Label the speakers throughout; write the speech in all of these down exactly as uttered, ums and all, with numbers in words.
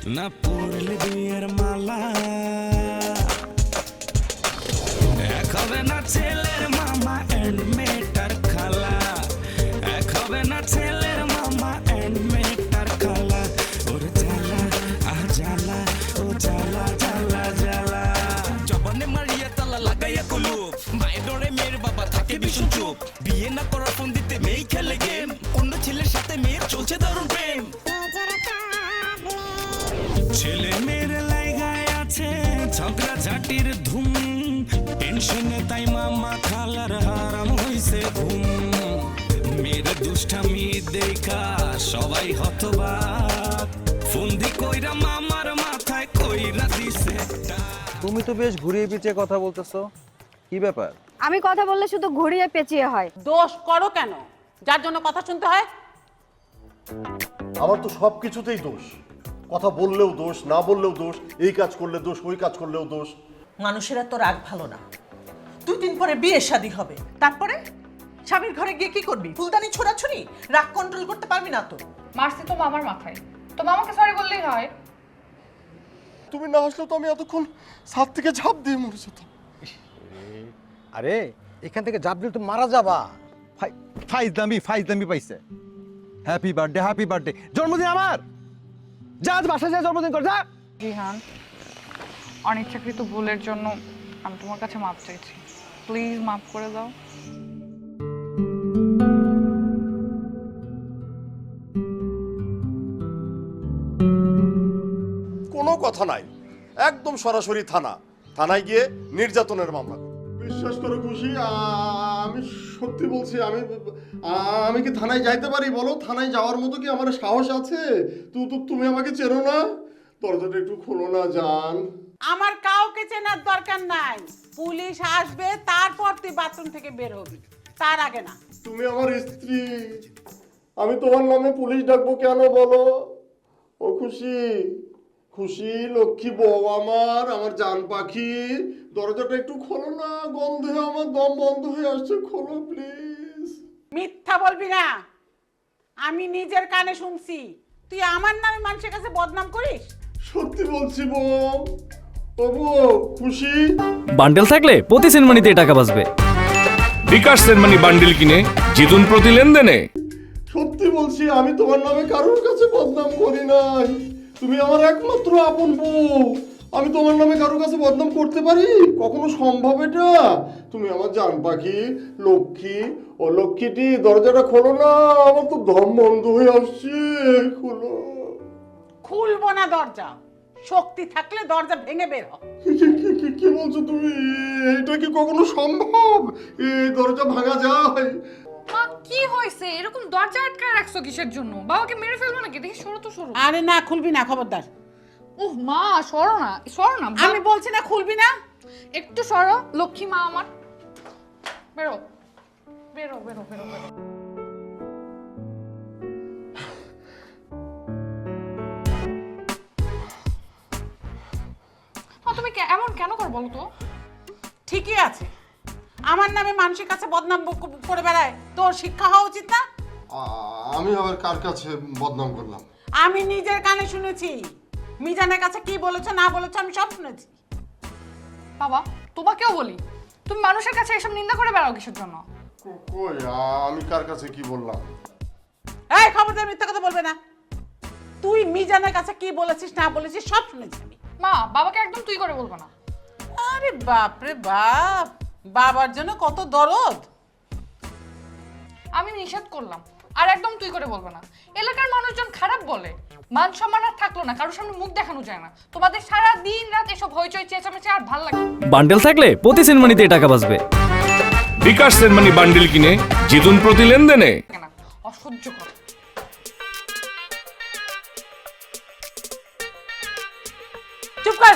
Speaker 1: না পড়লে বিয়ের মালা, এক হবে না ছেলের মামা এন্ড মেয়েটার খালা, এক হবে না ছেলের মামা এন্ড মেয়েটার খালা। ওর জ্বালা আহ জ্বালা, ও জ্বালা জ্বালা জ্বালা। জবানে মারিয়া তালা লাগাইয়া কুলুপ, মায়ের ডরে মেয়ের বাবা থাকে ভীষণ চুপ। বিয়ে না করার ফোন দিতে মেয়েই খেলে গেম, অন্য ছেলের সাথে মেয়ের চলছে দারুণ প্রেম। ছেলে মেয়ের লাইগায় আছে ঝগড়া ঝাঁটির ধুম, টেনশনে তাই মামা খালার হারাম হইছে ঘুম। মেয়ের দুষ্টামি দেখা সবাই হতবাক, ফন্দি কইরা মামার মাথায় কইরা দিছে।
Speaker 2: তুমি তো বেশ ঘুরিয়ে পিছিয়ে কথা বলতেছো, কি ব্যাপার?
Speaker 3: আমি কথা বললে শুধু ঘুরিয়ে পেঁচিয়ে হয়।
Speaker 4: দোষ করো কেন যার জন্য কথা শুনতে হয়?
Speaker 5: আমার তো সব কিছুতেই দোষ, কথা বললেও দোষ, না বললেও দোষ, এই কাজ করলে দোষ, ওই কাজ করলেও দোষ।
Speaker 6: মানুষের তো রাগ ভালো না। দুই দিন পরে বিয়ে শাদী হবে, তারপরে স্বামীর ঘরে গিয়ে কি করবি? ফুলদানি ছোড়াছুড়ি? রাগ কন্ট্রোল করতে পারবি না তো?
Speaker 7: মারছি তো মামার মাথায়, তো মামাকে সরি বললেই হয়।
Speaker 5: তুমি না আসলেও তো আমি এতক্ষণ ছাদ থেকে ঝাঁপ দিয়ে মরে যেতাম।
Speaker 2: আরে এখান থেকে জাপ দিলে তো মারা যাবা। ফাইজলামি ফাইজলামি পাইছে। হ্যাপি বার্থডে হ্যাপি বার্থডে, জন্মদিন আমার, যা আজ বাসায় যা জন্মদিন কর যা।
Speaker 7: জিহান, অনিচ্ছাকৃত ভুলের জন্য আমি তোমার কাছে মাপ চাইছি, প্লিজ মাফ করে দাও।
Speaker 5: কোনো কথা নাই, একদম সরাসরি থানা, থানায় গিয়ে নির্যাতনের মামলা। বিশ্বাস করো খুশি, আমি সত্যি বলছি, আমি আমি কি থানায় যাইতে পারি বলো? থানায় যাওয়ার মতো কি আমার সাহস আছে? তু তো তুমি আমাকে চেনো না, দরজাটা একটু খোলো না জান।
Speaker 4: আমার কাউকে চেনার দরকার নাই, পুলিশ আসবে তারপর তুই বাথরুম থেকে বের হবি, তার আগে না।
Speaker 5: তুমি আমার স্ত্রী, আমি তোমার নামে পুলিশ ডাকবো কেন বলো? ও খুশি, খুশি লক্ষ্মী বউ আমার, আমার জান পাখি, দরজাটা একটু খোলো না, গন্ধে আমার দম বন্ধ হয়ে আসছে, খোলো প্লিজ।
Speaker 4: মিথ্যা বলবি না, আমি নিজের কানে শুনছি তুই আমার নামে মানুষের কাছে বদনাম করিস।
Speaker 5: সত্যি বলছি বউ, ও বউ খুশি।
Speaker 8: বান্ডেল থাকলে প্রতি সেনমানিতে টাকা বাঁচবে।
Speaker 9: বিকাশ সেনমানি বান্ডেল কিনে জিতুন প্রতি লেনদেনে।
Speaker 5: সত্যি বলছি, আমি তোমার নামে কারোর কাছে বদনাম করি নাই, তুমি আমার একমাত্র আপন বউ, আমি তোমার নামে কারোর কাছে বদনাম করতে পারি? কখনো সম্ভব এটা? তুমি আমার জান পাখি, লক্ষ্মী, ও লক্ষ্মীটি, দরজাটা খোলো না, আমার তো দম বন্ধ হয়ে আসছে, খোলো।
Speaker 4: খুলবো না দরজা, শক্তি থাকলে দরজা ভেঙে বের হ।
Speaker 5: কি- কি- কি- কি বলছো তুমি? এটা কি কখনো সম্ভব? এই দরজা ভাঙা যায়?
Speaker 7: মা কি হয়েছে, এরকম দরজা আটকায় রাখছো কিসের জন্য? বাবাকে মেরে ফেলবো নাকি? দেখি সরো তো সরো।
Speaker 4: আরে না, খুলবি না, খবরদার।
Speaker 7: ওহ মা, সরো না সরো না।
Speaker 4: আমি বলছি না খুলবি না।
Speaker 7: একটু সরো, লক্ষ্মী মা আমার। বেরো বেরো বেরো বেরো বেরো। মা তুমি কে- এমন কেন কর বলো তো?
Speaker 4: ঠিকই আছে, আমার নামে মানুষের কাছে বদনাম ক- করে বেড়ায়, তোর শিক্ষা হওয়া উচিত না?
Speaker 5: আমি আবার কার কাছে বদনাম করলাম?
Speaker 4: আমি নিজের কানে শুনেছি, মিজানের কাছে কি বলেছো না বলেছো আমি সব শুনেছি।
Speaker 7: বাবা তোমাকেও বলি, তুমি মানুষের কাছে এসব নিন্দা করে বেড়াও কিসের জন্য?
Speaker 5: কই, আমি কার কাছে কি বললাম?
Speaker 4: এই খবরদার মিথ্যা কথা বলবে না। তুই মিজানের কাছে কি বলেছিস না বলেছিস সব শুনেছি আমি।
Speaker 7: মা বাবাকে একদম তুই করে বলবো না।
Speaker 4: আরে বাপ রে বাপ, বাবার জন্য কত দরদ।
Speaker 7: আমি নিষেধ করলাম, আর একদম তুই করে বলবো না। এলাকার মানুষজন খারাপ বলে, মান সম্মান আর থাকলো না, কারোর সামনে মুখ দেখানো যায় না। তোমাদের সারা দিন রাত এসব হইচই চেঁচামেচি আর ভাল লাগে।
Speaker 8: বান্ডেল থাকলে প্রতি সেনমানিতে টাকা বাঁচবে।
Speaker 9: বিকাশ সেনমানি বান্ডেল কিনে জিতুন প্রতি লেনদেনে।
Speaker 7: না, অসহ্য কর।
Speaker 4: চুপ কর।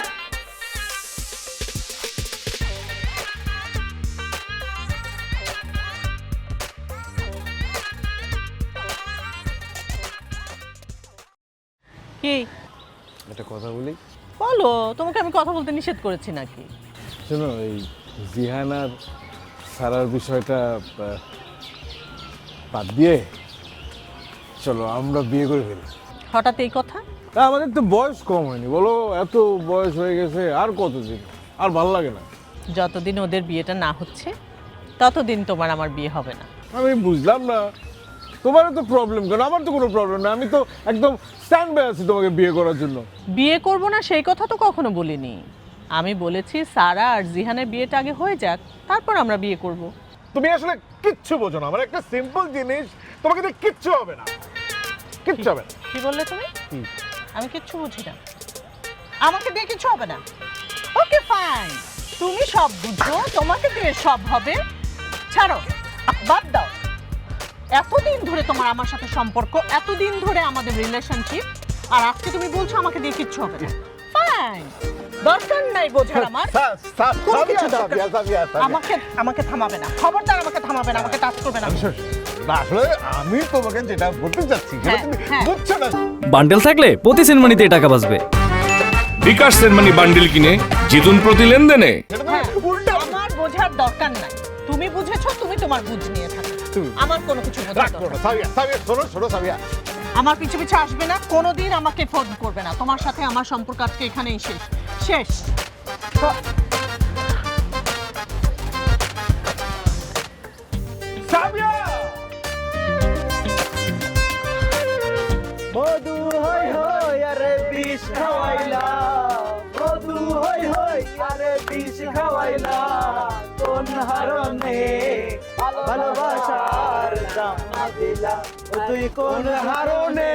Speaker 6: কি
Speaker 2: একটা কথা বলি।
Speaker 6: বলো, তোমাকে আমি কথা বলতে নিষেধ করেছি নাকি?
Speaker 2: শোনো, এই জিহান আর সারার বিষয়টা বাদ দিয়ে চলো আমরা বিয়ে করে ফেলি।
Speaker 6: হঠাৎ এই কথা?
Speaker 10: তা আমাদের তো বয়স কম হয়নি বলো, এত বয়স হয়ে গেছে আর কতদিন, আর ভালো লাগে না।
Speaker 6: যতদিন ওদের বিয়েটা না হচ্ছে ততদিন তোমার আমার বিয়ে হবে না।
Speaker 10: আমি বুঝলাম না তোমার তো প্রবলেম কেন? আমার তো কোনো প্রবলেম না, আমি তো একদম স্ট্যান্ড বাই আছি তোমাকে বিয়ে করার জন্য।
Speaker 6: বিয়ে করব না সেই কথা তো কখনো বলিনি। আমি বলেছি সারা আর জিহানের বিয়েটা আগে হয়ে যাক, তারপর আমরা বিয়ে করব।
Speaker 10: তুমি আসলে কিচ্ছু বোঝো না, আমার একটা সিম্পল জিনিস, তোমাকে দিয়ে কিচ্ছু হবে না, কিচ্ছু হবে না।
Speaker 6: কি বললে তুমি? আমি কিচ্ছু বুঝি না, আমাকে দিয়ে কিছু হবে না। ওকে ফাইন, তুমি সব বুঝো, তোমাকে দিয়ে সব হবে। ছাড়ো, বাদ দাও। এতদিন ধরে তোমার আমার সাথে সম্পর্ক, এতদিন ধরে আমাদের রিলেশনশিপ, আর আজকে তুমি বলছো আমাকে দিয়ে কিচ্ছু হবে না। ফাইন, দরকার নাই বোঝার আমার। কোনো কিছু দরকার নেই। আমাকে আমাকে থামাবে না, খবরদার আমাকে থামাবে না, আমাকে টাচ করবে না।
Speaker 10: না, আসলে আমি তোমাকে যেটা বলতে চাচ্ছি সেটা
Speaker 6: হ্যাঁ,
Speaker 10: তুমি
Speaker 6: হ্যাঁ।
Speaker 10: বুঝছো না।
Speaker 8: বান্ডেল থাকলে প্রতি সেনমানিতে টাকা বাঁচবে।
Speaker 9: বিকাশ সেনমানি বান্ডিল কিনে জিতুন প্রতি লেনদেনে।
Speaker 6: হ্যাঁ, আমার বোঝার দরকার নাই। তুমি বুঝেছো, তুমি তোমার বুঝ নিয়ে থাকো, আমার কোনো কিছু বোঝার
Speaker 10: রাগ করো
Speaker 6: দরকার
Speaker 10: না, সাবিয়া, সাবিয়া, শোনো, শোনো, সাবিয়া।
Speaker 6: নেই। আমার পিছু পিছু আসবে না, কোনোদিন আমাকে ফোন করবে না। তোমার সাথে আমার সম্পর্ক আজকে এখানেই শেষ শেষ।
Speaker 10: সাবিয়া!
Speaker 2: মধু হই হই আরে বিষ খাওয়াইলা, মধু হই হই আরে বিষ খাওয়াইলা, কোন হারনে ভালোবাসার দাম না দিলা, ও তুই কোন হারনে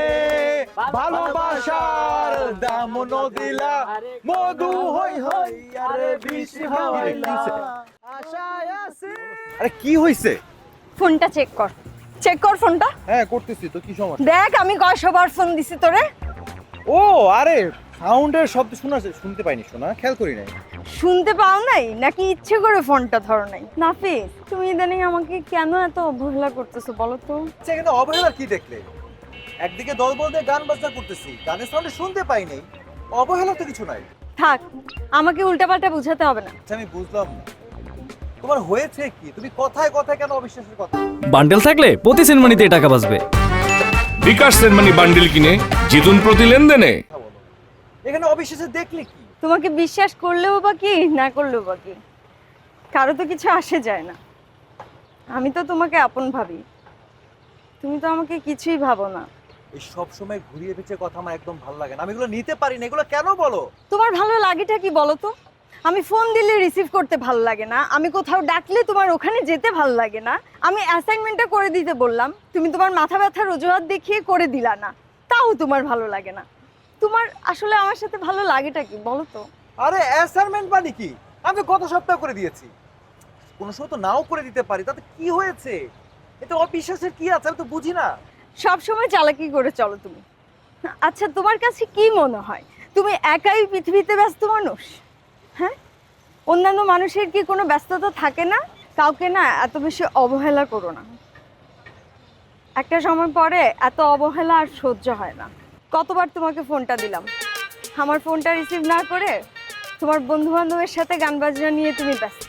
Speaker 2: ভালোবাসার দাম না দিলা, মধু হই হই আরে বিষ খাওয়াইলা, আশায় আছি। আরে কি হইছে?
Speaker 3: ফোনটা চেক কর, চেক কর ফোনটা।
Speaker 2: হ্যাঁ করতেছি তো, কি সমস্যা?
Speaker 3: দেখ আমি কয়শবার ফোন দিছি তোরে।
Speaker 2: ও আরে সাউন্ডের শব্দ শোনা, শুনতে পাইনি, শোনা খেয়াল করি নাই।
Speaker 3: শুনতে পাও নাই নাকি ইচ্ছে করে ফোনটা ধরো নাই? নাফিস, তুমি ইদানিং আমাকে কেন এত অবহেলা করতেছো বলো তো?
Speaker 2: সেখানে অবহেলার কি দেখলে? একদিকে দল বলতে গান বাজনা করতেছি, গানের সাউন্ড শুনতে পাই নাই, অবহেলা তো কিছু নাই।
Speaker 3: থাক, আমাকে উল্টাপাল্টা বুঝাতে হবে না।
Speaker 2: আচ্ছা আমি বুঝলাম না তোমার হয়েছে কি, তুমি কথায় কথায় কেন অবিশ্বাসের কথা?
Speaker 8: বান্ডেল থাকলে প্রতি সেনমানিতে টাকা বাঁচবে।
Speaker 9: বিকাশ সেনমানি বান্ডিল কিনে জিতুন প্রতি লেনদেনে।
Speaker 2: এখানে অবিশ্বাসে দেখলে কি?
Speaker 3: তোমাকে বিশ্বাস করলেও বা কি, না করলেও বা কি, কারো তো কিছু আসে যায় না। আমি তো তোমাকে আপন ভাবি, তুমি তো আমাকে কিছুই ভাবো না।
Speaker 2: এই সব সময় ঘুরিয়ে পেঁচিয়ে কথা আমার একদম ভালো লাগে না, আমি এগুলো নিতে পারি না। এগুলো কেন বলো?
Speaker 3: তোমার ভালো লাগেটা কি বলো তো? আমি ফোন দিলে রিসিভ করতে ভালো লাগে না, আমি কোথাও ডাকলে তোমার ওখানে যেতে ভালো লাগে না, আমি অ্যাসাইনমেন্টটা করে দিতে বললাম, তুমি তোমার মাথা ব্যথার অজুহাত দেখিয়ে করে দিলা না, তাও তোমার ভালো লাগে না। তোমার আসলে আমার সাথে ভালো লাগেটা কি বলো তো?
Speaker 2: আরে অ্যাসাইনমেন্ট মানে কি? আমি তো গত সপ্তাহ করে দিয়েছি, কোনো সময় তো নাও করে দিতে পারি, তাতে কি হয়েছে? এতে অবিশ্বাসের কি আছে আমি তো বুঝি না।
Speaker 3: সব সময় চালাকি করে চলো তুমি। আচ্ছা তোমার কাছে কি মনে হয় তুমি একাই পৃথিবীতে ব্যস্ত মানুষ? হ্যাঁ, অন্যান্য মানুষের কি কোনো ব্যস্ততা থাকে না? কাউকে না এত বেশি অবহেলা করো না, একটা সময় পরে এত অবহেলা আর সহ্য হয় না। কতবার তোমাকে ফোনটা দিলাম, আমার ফোনটা রিসিভ না করে তোমার বন্ধু বান্ধবের সাথে গান বাজনা নিয়ে তুমি ব্যস্ত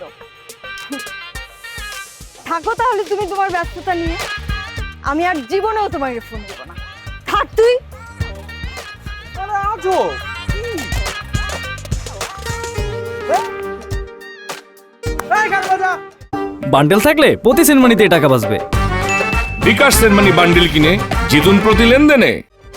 Speaker 3: থাকো। তাহলে তুমি তোমার ব্যস্ততা নিয়ে, আমি আর জীবনেও তোমাকে ফোন দেবো না। থাক তুই।
Speaker 2: আরে আজো এই গান বাজা।
Speaker 8: বান্ডেল থাকলে প্রতি সেনমানিতে টাকা বাঁচবে।
Speaker 9: বিকাশ সেনমানি বান্ডিল কিনে জিতুন প্রতি লেনদেনে।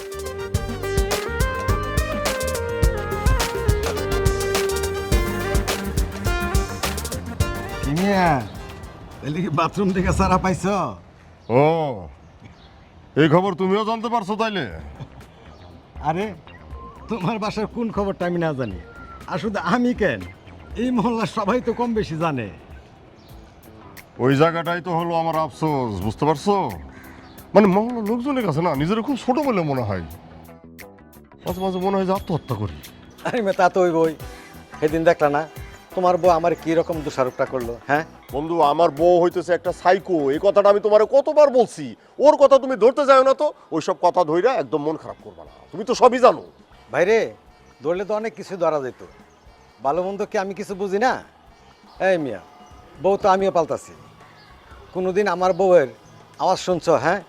Speaker 2: বাথরুম থেকে সারা পাইছো?
Speaker 5: ও, এই খবর তুমিও জানতে পারছো তাইলে?
Speaker 2: আরে তোমার বাসার কোন খবরটা আমি না জানি, আর শুধু আমি কেন, এই মহল্লার সবাই তো কম বেশি জানে।
Speaker 5: ওই জায়গাটাই তো হলো আমার আফসোস, বুঝতে পারছো? মানে মহল্লার লোকজনের কাছে না নিজের খুব ছোট বলে মনে হয়, মাঝে মাঝে মনে হয় যে আত্মহত্যা করি।
Speaker 2: আরে মে তা তো ওই বই, সেদিন দেখলা না তোমার বউ আমার কি রকম দোষারোপটা করলো? হ্যাঁ
Speaker 5: বন্ধু, আমার বউ হইতেছে একটা সাইকো, এই কথাটা আমি তোমারে কতবার বলছি। ওর কথা তুমি ধরতে যাও না তো, ওইসব কথা ধইরা একদম মন খারাপ করবা না, তুমি তো সবই জানো।
Speaker 2: ভাইরে ধরলে তো অনেক কিছু ধরা যেত, ভালো মন্দ কি আমি কিছু বুঝি না? এই মিয়া, বউ তো আমিও পাল্টাছি, কোনোদিন আমার বউয়ের আওয়াজ শুনছো? হ্যাঁ,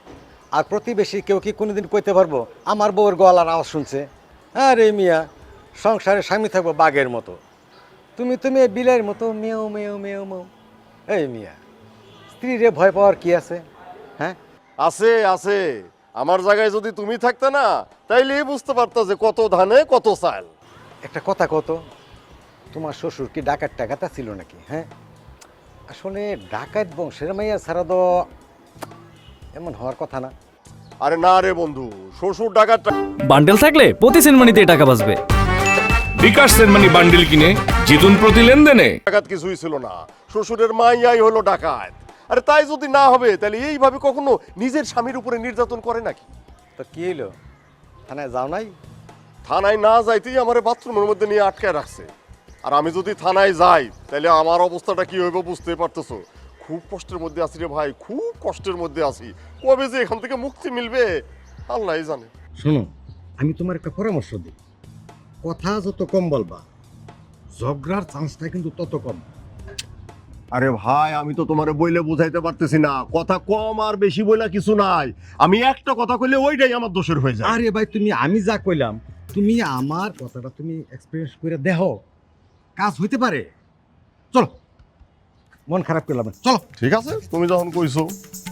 Speaker 2: আর প্রতিবেশী কেউ কি কোনোদিন কইতে পারবো আমার বউয়ের গলার আওয়াজ শুনছে? আরে মিয়া, সংসারে স্বামী থাকবো বাঘের মতো, তুমি তুমি বিলের মতো মেও মেও মেও মেও। এই মিয়া, স্ত্রীরে ভয় পাওয়ার কি আছে? হ্যাঁ,
Speaker 5: আছে আছে, আমার জায়গায় যদি তুমি থাকতে না তাইলে বুঝতে পারতো যে কত ধানে কত চাল।
Speaker 2: একটা কথা কত, তোমার শ্বশুর কি ডাকাত টাকাতা ছিল নাকি? হ্যাঁ, আসলে ডাকাত বংশের মাইয়া ছাড়া তো এমন হওয়ার কথা না।
Speaker 5: আরে না রে বন্ধু, শ্বশুর ডাকাত
Speaker 8: বান্ডেল থাকলে প্রতি সেনমানিতে টাকা বাঁচবে।
Speaker 9: বিকাশ সেনমানি বান্ডিল কিনে জিতুন প্রতি লেনদেনে।
Speaker 5: ডাকাত কিছুই ছিল না, শ্বশুরের মাইয়াই হলো ডাকাত। আরে তাই যদি না হবে তাহলে এইভাবে কখনো নিজের স্বামীর উপরে নির্যাতন করে নাকি?
Speaker 2: তো কি হইলো, থানায় যাও নাই?
Speaker 5: থানায় না যাইতেই আমার বাথরুমের মধ্যে নিয়ে আটকায় রাখছে। আর আমি যদি থানায় যাই তাহলে আমার অবস্থাটা কি হইব বুঝতে পারতেছো। খুব কষ্টের মধ্যে আছি রে ভাই, খুব কষ্টের মধ্যে আছি। কবে যে এখান থেকে মুক্তি মিলবে আল্লাহই জানে।
Speaker 2: শোনো, আমি তোমার একটা পরামর্শ দিই, কথা যত কম বলবা ঝগড়ার চান্সটা কিন্তু তত কম।
Speaker 5: আরে ভাই, আমি তো তোমারে বইলে বুঝাইতে পারতেছি না, কথা কম আর বেশি বইলা কিছু নাই। আমি একটা কথা কইলে ওইটাই আমার দোষের হয়ে যায়।
Speaker 2: আরে ভাই, তুমি আমি যা কইলাম তুমি আমার কথাটা তুমি এক্সপেরিয়েন্স করে দেখো, কাজ হইতে পারে। চলো, মন খারাপ করলাম না, চলো।
Speaker 5: ঠিক আছে, তুমি যখন কইছো।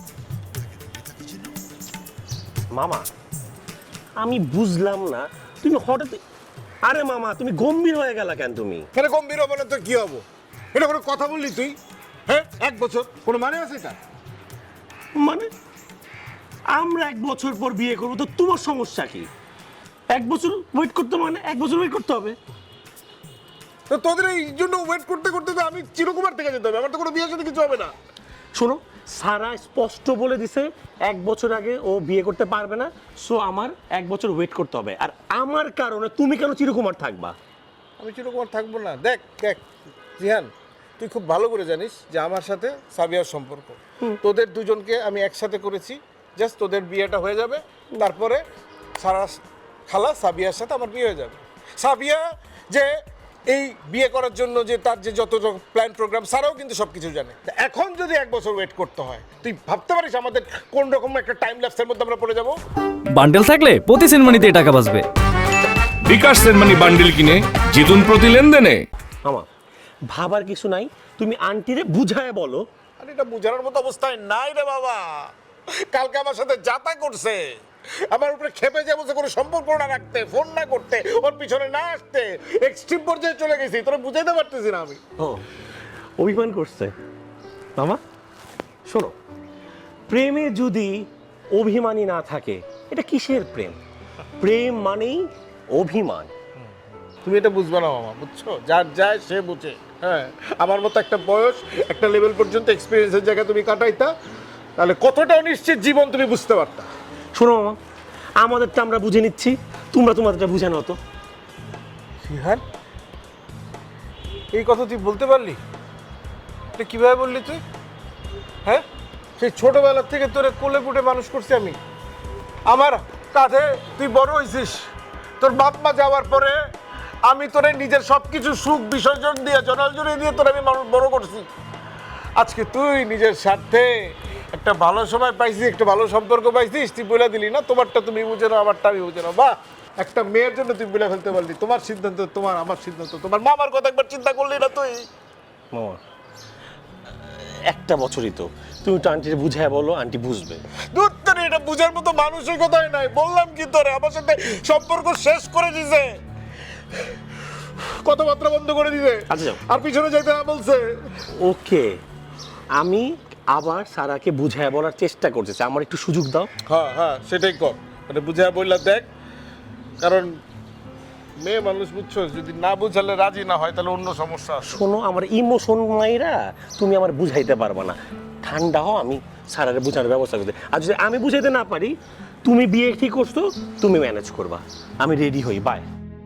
Speaker 11: মামা, আমি বুঝলাম না তুমি হঠাৎ, আরে মামা তুমি গম্ভীর হয়ে গেলা কেন? তুমি
Speaker 10: কেন গম্ভীর হবো না তো কি হবো? এটা কোনো কথা বললি তুই? হ্যাঁ, এক বছর কোনো মানে আছে এটা?
Speaker 11: মানে আমরা এক বছর পর বিয়ে করবো, তো তোমার সমস্যা কি? এক বছর ওয়েট করতে, মানে এক বছর ওয়েট করতে হবে?
Speaker 10: তো তোদের এই জন্য ওয়েট করতে করতে তো আমি চিরকুমার থেকে যেতে হবে, আমার তো কোনো বিয়ের সাথে কিছু হবে না।
Speaker 11: শোনো, সারা স্পষ্ট বলে দিছে এক বছর আগে ও বিয়ে করতে পারবে না, সো আমার এক বছর ওয়েট করতে হবে। আর আমার কারণে তুমি কেন চিরকুমার থাকবা?
Speaker 10: আমি চিরকুমার থাকবো না। দেখ দেখ জিহান, তুই খুব ভালো করে জানিস যে আমার সাথে সাবিয়ার সম্পর্ক। তোদের দুজনকে আমি একসাথে করেছি, জাস্ট তোদের বিয়েটা হয়ে যাবে, তারপরে সারা খালা সাবিয়ার সাথে আমার বিয়ে হয়ে যাবে। সাবিয়া যে এই বিয়ে করার জন্য যে তার যে যত প্ল্যান প্রোগ্রাম, সারাও কিন্তু সব কিছু জানে। এখন যদি এক বছর ওয়েট করতে হয়, তুই ভাবতে পারিস আমাদের কোন রকম একটা টাইম ল্যাপসের মধ্যে আমরা পড়ে যাবো?
Speaker 8: বান্ডেল থাকলে প্রতি সেনমানিতে টাকা বাঁচবে।
Speaker 9: বিকাশ সেনমানি বান্ডিল কিনে জিতুন প্রতি লেনদেনে।
Speaker 11: আমার ভাবার কিছু নাই, তুমি আন্টিরে বুঝায় বলো।
Speaker 10: আর এটা বুঝানোর মতো অবস্থায় নাই রে বাবা। কালকে আমার সাথে যাতা করছে, আমার উপরে খেপে যাবো যে কোনো সম্পর্ক না রাখতে, ফোন না করতে, ওর পিছনে না আসতে, এক্সট্রিম পর্যায়ে চলে গেছি। তোরা বুঝাইতে পারতেছি না আমি।
Speaker 11: ও অভিমান করছে। মামা শোনো, প্রেমে যদি অভিমানী না থাকে, এটা কিসের প্রেম? প্রেম মানেই অভিমান।
Speaker 10: তুমি এটা বুঝবে না মামা, বুঝছো? যার যায় সে বুঝে। হ্যাঁ, আমার মতো একটা বয়স, একটা লেভেল পর্যন্ত এক্সপিরিয়েন্সের জায়গায় তুমি কাটাইতা, তাহলে কতটা অনিশ্চিত জীবন তুমি বুঝতে পারতা।
Speaker 11: শোনো মামা, আমাদেরটা আমরা বুঝে নিচ্ছি, তোমরা তোমাদেরটা বুঝে নাও তো।
Speaker 10: সিহান, এই কথা তুই বলতে পারলি? এটা কিভাবে বললি তুই? হ্যাঁ, সেই ছোটবেলার থেকে তোরে কোলে পুটে মানুষ করছি আমি, আমার কাঁধে তুই বড় হয়েছিস। তোর বাপ মা যাওয়ার পরে আমি তোরে নিজের সব কিছু সুখ বিসর্জন দিয়ে, জনাল জড়িয়ে দিয়ে তোরে আমি মানুষ বড় করছি। আজকে তুই নিজের স্বার্থে একটা ভালো সময় পাইছিস, একটা ভালো সম্পর্ক পাইছিস, তুই বলে দিলি না তোমারটা তুমি বুঝে নাও, আমারটা আমি বুঝে নাও। বাহ, একটা মেয়ের জন্য তুই বলে ফেলতে পারলি তোমার সিদ্ধান্ত তোমার, আমার সিদ্ধান্ত তোমার। মামার কথা একবার চিন্তা করলি না তুই?
Speaker 11: মামা একটা বছরই তো, তুমি তো আন্টির বুঝায় বলো, আন্টি বুঝবে।
Speaker 10: দূর তোরে, এটা বুঝার মতো মানুষের কথাই নাই। বললাম কি তোরে, আমার সাথে সম্পর্ক শেষ করে দিছে, কথাবার্তা বন্ধ করে দিছে,
Speaker 11: আচ্ছা যাও,
Speaker 10: আর পিছনে যাইতে না বলছে।
Speaker 11: ওকে, আমি আবার সারাকে বুঝায় বলার চেষ্টা করতেছি, আমার একটু সুযোগ দাও।
Speaker 10: হ্যাঁ হ্যাঁ, সেটাই কর, মানে বুঝায় বললা দেখ। কারণ মেয়ে মানুষ, বুঝছো, যদি না বুঝালে রাজি না হয় তাহলে অন্য সমস্যা আছে।
Speaker 11: শোনো, আমার ইমোশন মাইরা তুমি আমার বুঝাইতে পারবা না। ঠান্ডা হও, আমি সারারে বুঝানোর ব্যবস্থা করতে। আর যদি আমি বুঝাইতে না পারি, তুমি বিয়ে ঠিক করছো, তুমি ম্যানেজ করবা, আমি রেডি হই। বাই।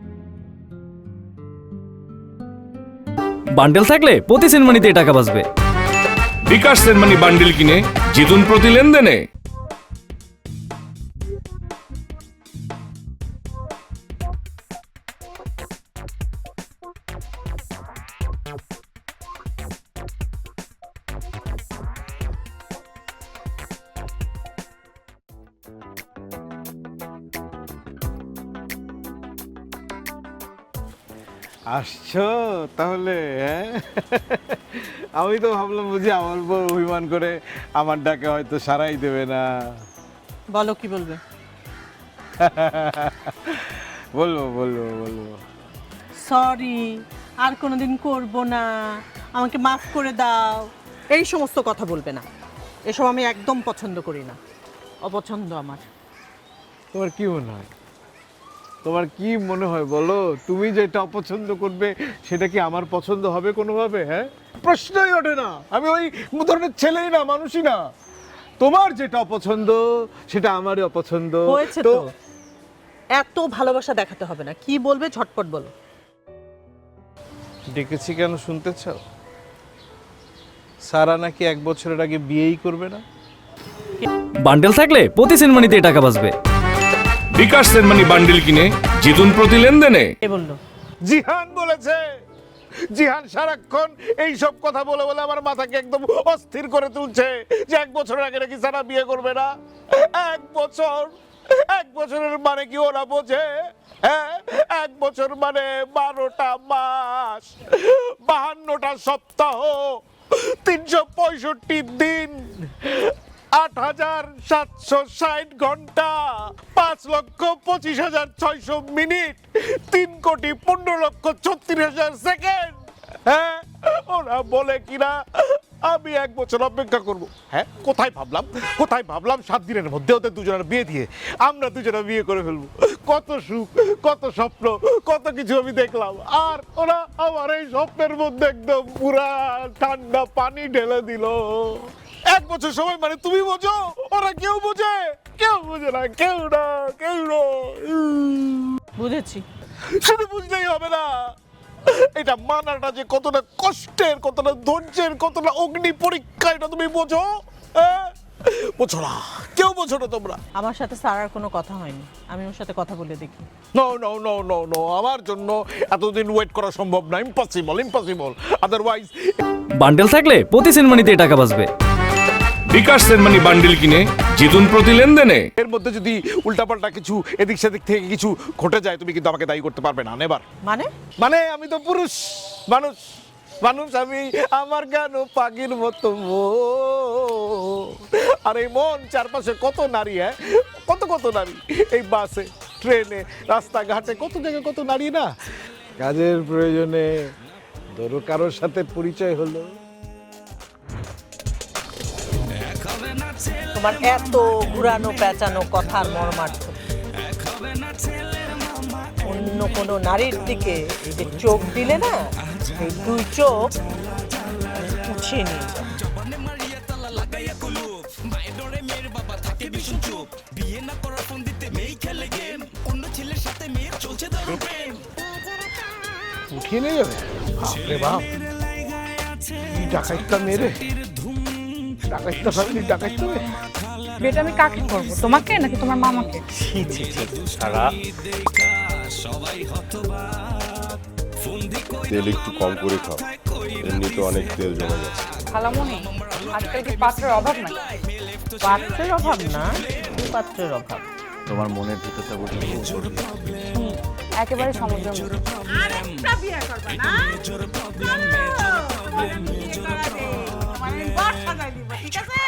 Speaker 8: বান্ডেল থাকলে প্রতি সেনমানিতে টাকা বাঁচবে।
Speaker 9: বিকাশ সেনমানি বান্ডিল কিনে জিতুন প্রতি লেনদেনে।
Speaker 10: আসছো তাহলে, হ্যাঁ? আমি তো ভাবলাম বুঝি আমার বউ অভিমান করে আমার ডাকে হয়তো সারাই দেবে না।
Speaker 6: বলো কি বলবে?
Speaker 10: বলবো বলবো বলবো
Speaker 6: সরি, আর কোনোদিন করব না, আমাকে মাফ করে দাও, এই সমস্ত কথা বলবে না। এসব আমি একদম পছন্দ করি না, অপছন্দ আমার।
Speaker 10: তোমার কি মনে হয়? তোমার কি মনে হয় বলো? তুমি যেটা অপছন্দ করবে সেটা কি আমার পছন্দ হবে কোনোভাবে? হ্যাঁ, প্রশ্নই ওঠে না। আমি ওই ধরনের ছেলেই না, মানুষই না। তোমার যেটা অপছন্দ সেটা আমারই অপছন্দ।
Speaker 6: হয়েছে তো, এত ভালোবাসা দেখাতে হবে না। কি বলবে ঝটপট বলো।
Speaker 10: ডেকেছি কেন শুনতে চাও? সারা নাকি এক বছরের আগে বিয়েই করবে না।
Speaker 8: বান্ডেল থাকলে প্রতি সেনমানিতে টাকা বাঁচবে।
Speaker 9: বিকাশ সেনমানি বান্ডিল কিনে জিতুন প্রতি লেনদেনে।
Speaker 6: কে বললো?
Speaker 10: জিহান বলেছে। জিহান সারাক্ষণ এই সব কথা বলে বলে আমার মাথাকে একদম অস্থির করে তুলছে যে এক বছরের আগে নাকি সারা বিয়ে করবে না। এক বছর, এক বছরের মানে কি ওরা বোঝে? হ্যাঁ, এক বছর মানে বারোটা মাস, বাহান্নটা সপ্তাহ, তিনশো পঁয়ষট্টি দিন, আট হাজার সাতশো ষাট ঘন্টা, পাঁচ লক্ষ পঁচিশ হাজার ছয়শো মিনিট, তিন কোটি পনেরো লক্ষ ছত্রিশ হাজার সেকেন্ড। হ্যাঁ, ওরা বলে কিনা আমি এক বছর অপেক্ষা করব। হ্যাঁ, কোথায় ভাবলাম, কোথায় ভাবলাম সাত দিনের মধ্যে ওদের দুজনের বিয়ে দিয়ে আমরা দুজনে বিয়ে করে ফেলবো। কত সুখ, কত স্বপ্ন, কত কিছু আমি দেখলাম। আর ওরা আমার এই স্বপ্নের মধ্যে একদম পুরা ঠান্ডা পানি ঢেলে দিল। এক বছর সময় মানে তুমি বোঝো, ওরা কেউ বোঝে? কেউ বোঝে না, কেউ না, কেউ না।
Speaker 6: বুঝেছি।
Speaker 10: শুধু বুঝলেই হবে না, এটা মানাটা যে কতটা কষ্টের, কতটা ধৈর্যের, কতটা অগ্নি পরীক্ষা, এটা তুমি বোঝো? হ্যাঁ, বোঝো না, কেউ বোঝো না তোমরা।
Speaker 6: আমার সাথে সারার কোনো কথা হয়নি, আমি ওর সাথে কথা বলে দেখি।
Speaker 10: No no no no no, আমার জন্য এতদিন ওয়েট করা সম্ভব না, ইম্পসিবল, ইম্পসিবল। আদারওয়াইজ
Speaker 8: বান্ডেল থাকলে প্রতি সেনমানিতে টাকা বাঁচবে।
Speaker 9: বিকাশ সেনমানি বান্ডিল কিনে জিতুন প্রতি লেনদেনে।
Speaker 10: এর মধ্যে যদি উল্টাপাল্টা কিছু এদিক সেদিক থেকে কিছু ঘটে যায় তুমি কিন্তু আমাকে দায়ী করতে পারবে না। নেবার
Speaker 6: মানে?
Speaker 10: মানে আমি তো পুরুষ মানুষ, মানুষ আমি, আমার কেন পাখির মতো মন। আর এই মন চারপাশে কত নারী, হ্যাঁ, কত কত নারী, এই বাসে, ট্রেনে, রাস্তাঘাটে, কত জায়গায় কত নারী না। কাজের প্রয়োজনে ধরো কারোর সাথে পরিচয় হলো।
Speaker 6: তোমার এত ঘুরানো পেঁচানো কথার মর্মার্থ অন্য কোনো নারীর দিকে এই যে চোখ দিলে না, এই দুই চোখ উঠিয়ে নিয়ে যাও।
Speaker 10: উঠিয়ে নিয়ে যাবে? বাপরে বাপ, কি ডাকাইতটা মেরে, ডাকাইতটা ফ্যামিলি ডাকাইতে হবে।
Speaker 7: বেটা আমি কাকে করবো, তোমাকে নাকি তোমার মামাকে?
Speaker 11: ছি ছি ছি, সারা
Speaker 5: তেল একটু কম করে খাও, এমনিতে অনেক তেল জমে গেছে।
Speaker 7: খালামণি, আজকাল কি পাত্রের অভাব নাই?
Speaker 6: পাত্রের অভাব না, পাত্রের অভাব।
Speaker 2: তোমার মনের ভিতরটা বুঝি
Speaker 7: একেবারে সমুদ্র।
Speaker 4: আরেকটা বিয়ে করবে না? চলো, তোমার বিয়ে করা নেই। তোমার ঘর সাজাই দিব, ঠিক আছে?